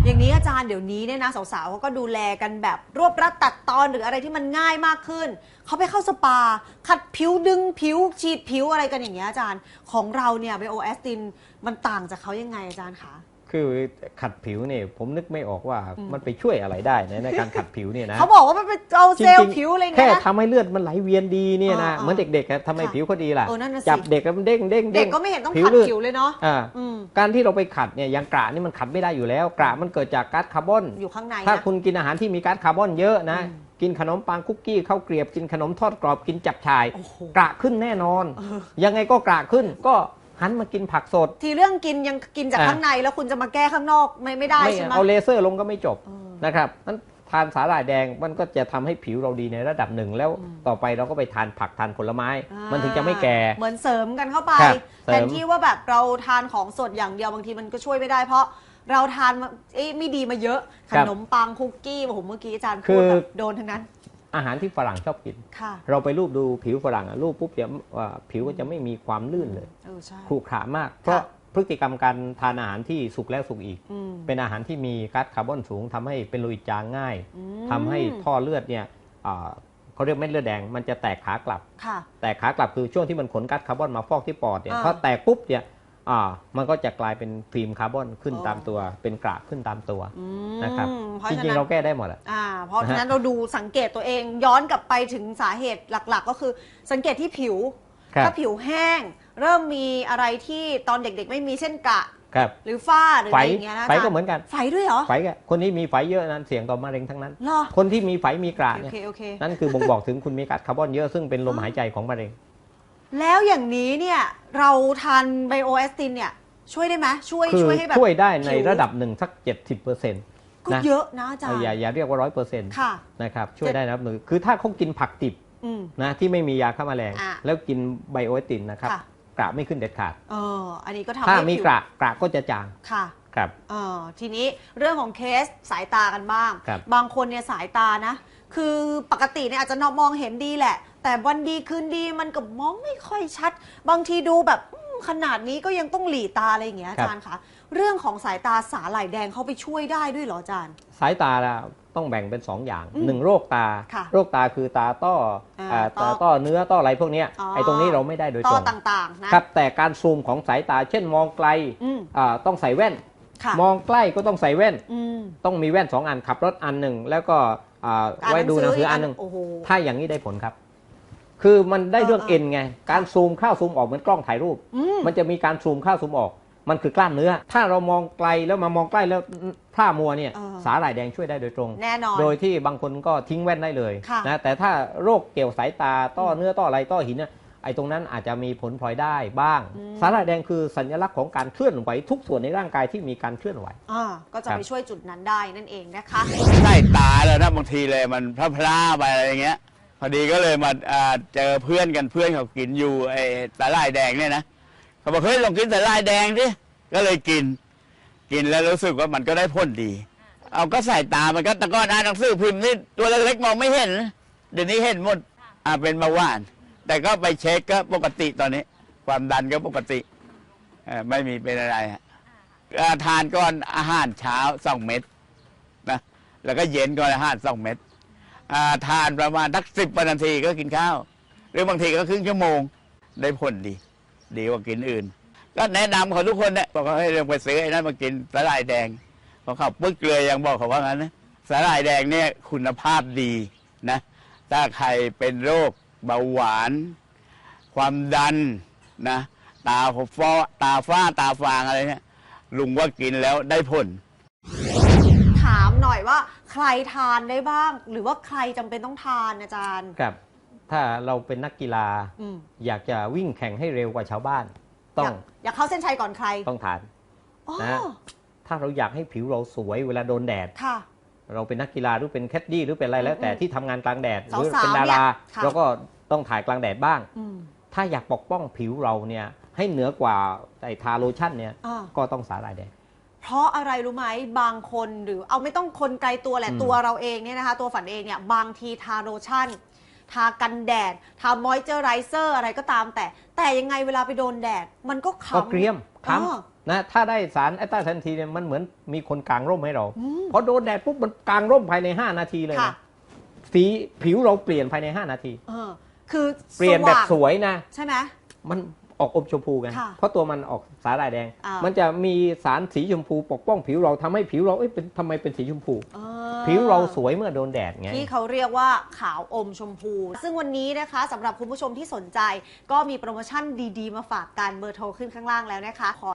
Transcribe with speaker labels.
Speaker 1: อย่างนี้อาจารย์เดี๋ยวนี้เนี่ยนะสาวๆเขาก็ดูแลกันแบบรวบรัดตัดตอนหรืออะไรที่มันง่ายมากขึ้นเขาไปเข้าสปาขัดผิวดึงผิวฉีดผิวอะไรกันอย่างเงี้ยอาจารย์ของเราเนี่ยไบโอแอสตินมันต่างจากเขายังไงอาจารย์คะ
Speaker 2: คือขัดผิวเนี่ยผมนึกไม่ออกว่ามันไปช่วยอะไรได้ในการขัดผิวเนี่ยนะ
Speaker 1: เขาบอกว่ามันเป็นเอาเซลล์ผิวอะไรเงี้ย
Speaker 2: แค่ทำให้เลือดมันไหลเวียนดีเนี่ยนะเหมือนเด็กๆทำให้ผิวเขาดีล่ะจับเด็กแล้วมันเด้งเด็ก
Speaker 1: ก็ไม่เห็นต้องขัดผิวเลยเนาะ
Speaker 2: การที่เราไปขัดเนี่ยอย่างกระนี่มันขัดไม่ได้อยู่แล้วกระมันเกิดจากก๊าซคาร์บอน
Speaker 1: อยู่ข้างใน
Speaker 2: ถ้าคุณกินอาหารที่มีก๊าซคาร์บอนเยอะนะกินขนมปังคุกกี้ข้าวเกรียบกินขนมทอดกรอบกินจับฉ่ายกระขึ้นแน่นอนยังไงก็กระขึ้นก็หันมากินผักสด
Speaker 1: ทีเรื่องกินยังกินจากข้างในแล้วคุณจะมาแก้ข้างนอกไม่ได้ใช่ไหม
Speaker 2: เอาเลเซอร์ลงก็ไม่จบนะครับนั้นทานสาหร่ายแดงมันก็จะทำให้ผิวเราดีในระดับหนึ่งแล้วต่อไปเราก็ไปทานผักทานผลไม้มันถึงจะไม่แก่
Speaker 1: เหมือนเสริมกันเข้าไปแทนที่ว่าแบบเราทานของสดอย่างเดียวบางทีมันก็ช่วยไม่ได้เพราะเราทานไม่ดีมาเยอะขนมปังคุกกี้ผมเมื่อกี้อาจารย์พูดแบบโดนทั้งนั้น
Speaker 2: อาหารที่ฝรั่งชอบกินเราไปรูปดูผิวฝรั่งรูปปุ๊บเดี๋ยวผิวก็จะไม่มีความลื่นเลยขรุขระมากเพราะพฤติกรรมการทานอาหารที่สุกแล้วสุกอีกเป็นอาหารที่มีก๊าซคาร์บอนสูงทำให้เป็นโลหิตจางง่ายทำให้ท่อเลือดเนี่ยเขาเรียกเม็ดเลือดแดงมันจะแตกขากลับแตกขากลับคือช่วงที่มันขนก๊าซคาร์บอนมาฟอกที่ปอดเนี่ยพอแตกปุ๊บเนี่ยมันก็จะกลายเป็นฟิล์มคาร์บอนขึ้นตามตัวเป็นกระขึ้นตามตัวนะครับจริงๆเราแก้ได้หมด
Speaker 1: เพราะฉะนั้นเราดูสังเกตตัวเองย้อนกลับไปถึงสาเหตุหลักๆก็คือสังเกตที่ผิวถ้าผิวแห้งเริ่มมีอะไรที่ตอนเด็กๆไม่มีเช่นกระหรือฝ้าหรืออะไรอย่างเงี้ยนะ
Speaker 2: ไฝก็เหมือนกัน
Speaker 1: ไฝด้วยเหรอ
Speaker 2: ไฝคนที่มีไฝเยอะนั้นเสี่ยงต่อมะเร็งทั้งนั้นคนที่มีไฝมีกระเนี่ยนั่นคือบ่งบอกถึงคุณมีก๊าซคาร์บอนเยอะซึ่งเป็นลมหายใจของมะเร็ง
Speaker 1: แล้วอย่างนี้เนี่ยเราทานไบโอแอสตินเนี่ยช่วยได้ไหมช่วยให้แบบ
Speaker 2: ช่วยได้ในระดับหนึ่งสัก 70%
Speaker 1: ก็เยอะนะอาจารย์
Speaker 2: อย่าเรียกว่า 100% นะครับช่วยได้นะคือถ้าเขากินผักดิบนะที่ไม่มียาฆ่าแมลงแล้วกินไบโอแอสตินนะครับกระไม่ขึ้นเด็ดขาด
Speaker 1: อันนี้ก็ทำให้
Speaker 2: ถ้ามีกระก็จะจางครับ
Speaker 1: ทีนี้เรื่องของเคสสายตากันบ้างบางคนเนี่ยสายตานะคือปกติเนี่ยอาจจะมองเห็นดีแหละแต่วันดีคืนดีมันก็มองไม่ค่อยชัดบางทีดูแบบขนาดนี้ก็ยังต้องหลีตาอะไรอย่างเงี้ยอาจารย์คะเรื่องของสายตาสาหร่ายแดงเขาไปช่วยได้ด้วยเหรออาจารย์
Speaker 2: สายตาต้องแบ่งเป็น2อย่าง1โรคตาโรคตาคือตาต้อเนื้อต้ออะไรพวกนี้ไอ้ตรงนี้เราไม่ได้โดยตรง
Speaker 1: ต่างๆนะครับ
Speaker 2: แต่การซูมของสายตาเช่นมองไกลต้องใส่แว่นมองใกล้ก็ต้องใส่แว่นต้องมีแว่น2 อันขับรถอันหนึ่งแล้วก็ไว้ดูหนังสืออันหนึ่งถ้าอย่างนี้ได้ผลครับคือมันได้เรื่องเอ็นไงการซูมเข้าซูมออกเหมือนกล้องถ่ายรูปมันจะมีการซูมเข้าซูมออกมันคือกล้ามเนื้อถ้าเรามองไกลแล้วมามองใกล้แล้วพร่ามัวเนี่ยสาหร่ายแดงช่วยได้โดยตรง
Speaker 1: แน่นอน
Speaker 2: โดยที่บางคนก็ทิ้งแว่นได้เลยนะแต่ถ้าโรคเกี่ยวสายตาต้อเนื้อต้ออะไรต้อหินเนี่ยไอ้ตรงนั้นอาจจะมีผลพลอยได้บ้างสาหร่ายแดงคือสัญลักษณ์ของการเคลื่อนไหวทุกส่วนในร่างกายที่มีการเคลื่อนไหว
Speaker 1: ก็จะไปช่วยจุดนั้นได้นั่นเองนะคะ
Speaker 3: ใต้ตาแล้วนะบางทีเลยมันพลาไปอะไรอย่างเงี้ยพอดีก็เลยมาเจอเพื่อนกันเพื่อนเขากินอยู่ไอ้สาหร่ายแดงเนี่ยนะเขาบอกเฮ้ยลองกินสาหร่ายแดงดิก็เลยกินแล้วรู้สึกว่ามันก็ได้ผลดีเอาก็ใส่ตามันก็ตะก้อนอ่านหนังสือพิมพ์นี่ตัวเล็กๆมองไม่เห็นเดี๋ยวนี้เห็นหมดเป็นเบาหวานแต่ก็ไปเช็คก็ปกติตอนนี้ความดันก็ปกติไม่มีเป็นอะไรทานก่อนอาหารเช้า2 เม็ดนะแล้วก็เย็นก่อนอาหาร2 เม็ดทานประมาณสัก10 นาทีก็กินข้าวหรือบางทีก็ครึ่งชั่วโมงได้ผลดีกว่ากินอื่นก็แนะนำเขาทุกคนเนี่ยบอกว่าให้เรื่องไปซื้อไอ้นั่นมากินสาหร่ายแดงพอเขาปึ๊กเลยยังบอกเขาว่างั้นนะสาหร่ายแดงเนี่ยคุณภาพดีนะถ้าใครเป็นโรคเบาหวานความดันนะตาฝ้าตาฟางอะไรเนี่ยลุงว่ากินแล้วได้ผล
Speaker 1: ถามหน่อยว่าใครทานได้บ้างหรือว่าใครจำเป็นต้องทานอาจารย์
Speaker 2: ครับถ้าเราเป็นนักกีฬาอยากจะวิ่งแข่งให้เร็วกว่าชาวบ้าน
Speaker 1: อยากเข้าเส้นชัยก่อนใคร
Speaker 2: ต้องทานนะถ้าเราอยากให้ผิวเราสวยเวลาโดนแดดเราเป็นนักกีฬาหรือเป็นแคดดี้หรือเป็นอะไรแล้วแต่ที่ทำงานกลางแดดหรือเป็นดาราเราก็ต้องถ่ายกลางแดดบ้างถ้าอยากปกป้องผิวเราเนี่ยให้เหนือกว่าไอ้ทาโลชั่นเนี่ยก็ต้องสาหร่ายแดง
Speaker 1: เพราะอะไรรู้ไหมบางคนหรือเอาไม่ต้องคนไกลตัวแหละตัวเราเองเนี่ยนะคะตัวฝันเองเนี่ยบางทีทาโลชั่นทากันแดดทามอยเจอไรเซอร์อะไรก็ตามแต่ยังไงเวลาไปโดนแดดมันก็
Speaker 2: เกรียมค้นะถ้าได้สารแอสตาแซนทีนเนี่ยมันเหมือนมีคนกางร่มให้เราพอโดนแดดปุ๊บมันกางร่มภายใน5 นาทีเลยนะสีผิวเราเปลี่ยนภายใน5 นาที
Speaker 1: คือ
Speaker 2: เปลี่ยนแบบสวยนะ
Speaker 1: ใช่ไหม
Speaker 2: มันออกอมชมพูไงเพราะตัวมันออกสาหร่ายแดงมันจะมีสารสีชมพูปกป้องผิวเราทำให้ผิวเราทำไมเป็นสีชมพูผิวเราสวยเมื่อโดนแดดไง
Speaker 1: ที่เขาเรียกว่าขาวอมชมพู ซึ่งวันนี้นะคะสำหรับคุณผู้ชมที่สนใจก็มีโปรโมชั่นดีๆมาฝากกันเบอร์โทรขึ้นข้างล่างแล้วนะคะ